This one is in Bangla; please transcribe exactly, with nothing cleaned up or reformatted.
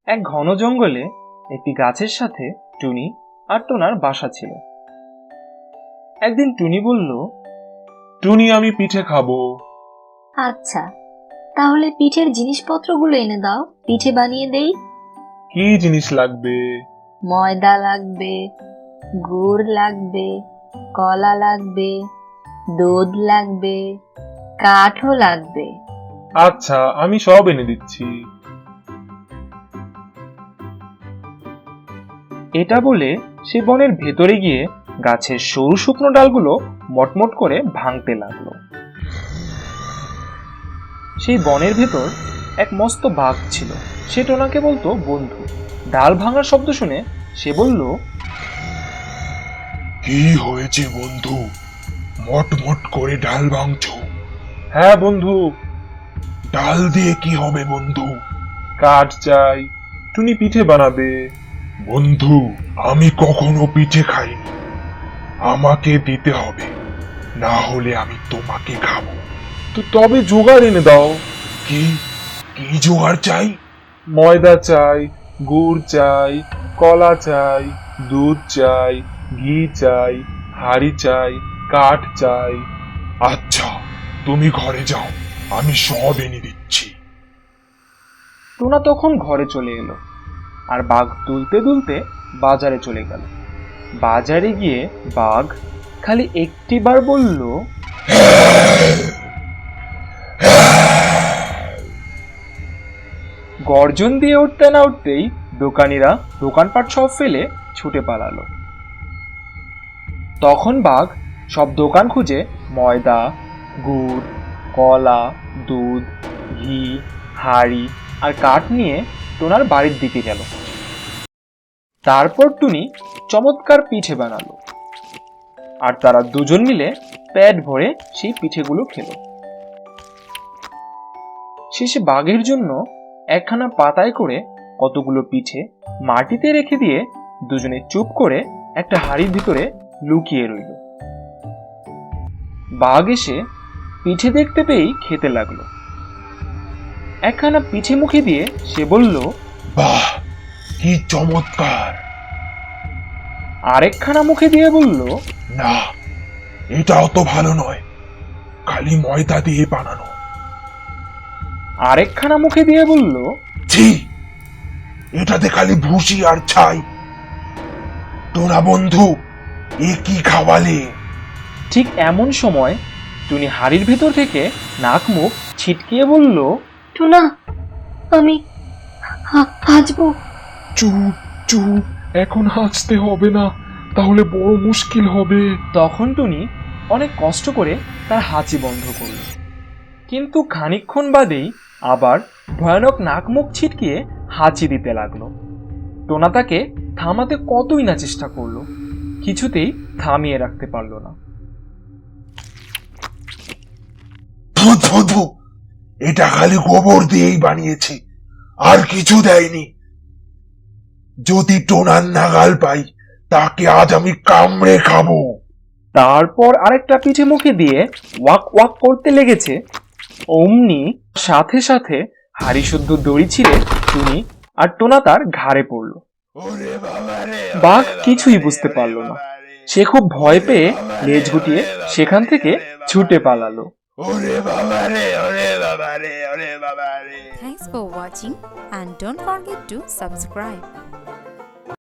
এক ঘন জঙ্গলে একটি গাছের সাথে টুনি আর টোনার বাসা ছিল। একদিন টুনি বলল, টুনি, আমি পিঠে খাবো। আচ্ছা, তাহলে পিঠের জিনিসপত্রগুলো এনে দাও, পিঠে বানিয়ে দেই। কি জিনিস লাগবে? ময়দা লাগবে, গুড় লাগবে, কলা লাগবে, দুধ লাগবে, কাঠও লাগবে। আচ্ছা, আমি সব এনে দিচ্ছি। এটা বলে সে বনের ভেতরে গিয়ে গাছের সরু শুকনো ডালগুলো মটমট করে ভাঙতে লাগলো। সেই বনের ভেতর এক মস্ত বাঘ ছিল। সে টোনাকে বলতো বন্ধু। ডাল ভাঙার শব্দ শুনে সে বলল, কি হয়েছে বন্ধু, মটমট করে ডাল ভাঙছো? হ্যাঁ বন্ধু। ডাল দিয়ে কি হবে বন্ধু? কাঠ চাই, টুনি পিঠে বানাবে। বন্ধু, আমি কখনো পিঠে খাইনি, আমাকে দিতে হবে, না হলে আমি তোমাকে খাবো। তো তবে জোগাড় এনে দাও। কি কি জোগাড় চাই? ময়দা চাই, গুড় চাই, কলা চাই, দুধ চাই, ঘি চাই, হাড়ি চাই, কাঠ চাই। আচ্ছা, তুমি ঘরে যাও, আমি সব এনে দিচ্ছি। টোনা তখন ঘরে চলে এলো আর বাঘ দুলতে দুলতে বাজারে চলে গেল। বাজারে গিয়ে বাঘ খালি একটিবার বলল, গর্জন দিয়ে উঠতে না উঠতেই দোকানিরা দোকানপাট সব ফেলে ছুটে পালালো। তখন বাঘ সব দোকান খুঁজে ময়দা, গুড়, কলা, দুধ, ঘি, হাড়ি আর কাঠ নিয়ে টোনার বাড়ির দিকে গেল। তারপর টুনি চমৎকার পিঠে বানালো আর তারা দুজন মিলে পেট ভরে সেই পিঠেগুলো খেলো। শেষে বাঘের জন্য একখানা পাতায় করে কতগুলো পিঠে মাটিতে রেখে দিয়ে দুজনে চুপ করে একটা হাড়ির ভিতরে লুকিয়ে রইল। বাঘ এসে পিঠে দেখতে পেয়েই খেতে লাগলো। একখানা পিঠে মুখে দিয়ে সে বলল, বাহ, কি চমৎকার! আরেকখানা মুখে দিয়ে বলল, না, এটা অত ভালো নয়, খালি ময়দা দিয়ে বানানো। আরেকখানা মুখে দিয়ে বলল, ছি, এটাতে খালি ভুসি আর ছাই। তোরা বন্ধু, এ কি খাওয়ালে? ঠিক এমন সময় টুনি হাড়ির ভেতর থেকে নাক মুখ ছিটকিয়ে বলল, টুনা, আমি হা- হাঁচবো। চুপ চুপ, এখন হাসতে হবে না, তাহলে বড় মুশকিল হবে। তখন টুনি অনেক কষ্ট করে তার হাঁচি বন্ধ করল, কিন্তু খানিকক্ষণ বাদেই আবার ভয়ানক নাক মুখ ছিটকিয়ে হাঁচি দিতে লাগলো। টোনা তাকে থামাতে কতই না চেষ্টা করলো, কিছুতেই থামিয়ে রাখতে পারল না। ধু ধু ধু, এটা খালি গোবর দিয়েই বানিয়েছে, আর কিছু দেয়নি। যদি টোনার নাগাল পাই, তাকে আজ আমি কামড়ে খাবো। তারপর আরেকটা পিঠে মুখে দিয়ে ওয়াক ওয়াক করতে লেগেছে। অমনি সাথে সাথে হাড়ি শুদ্ধ দড়ি ছিঁড়ে টুনি আর টোনা তার ঘাড়ে পড়ল। ওরে বাবা রে, বাঘ কিছুই বুঝতে পারলো না। সে খুব ভয় পেয়ে লেজ গুটিয়ে সেখান থেকে ছুটে পালালো। ওরে বাবা রে, ওরে বাবা রে, ওরে বাবা রে। Thanks for watching and don't forget to subscribe.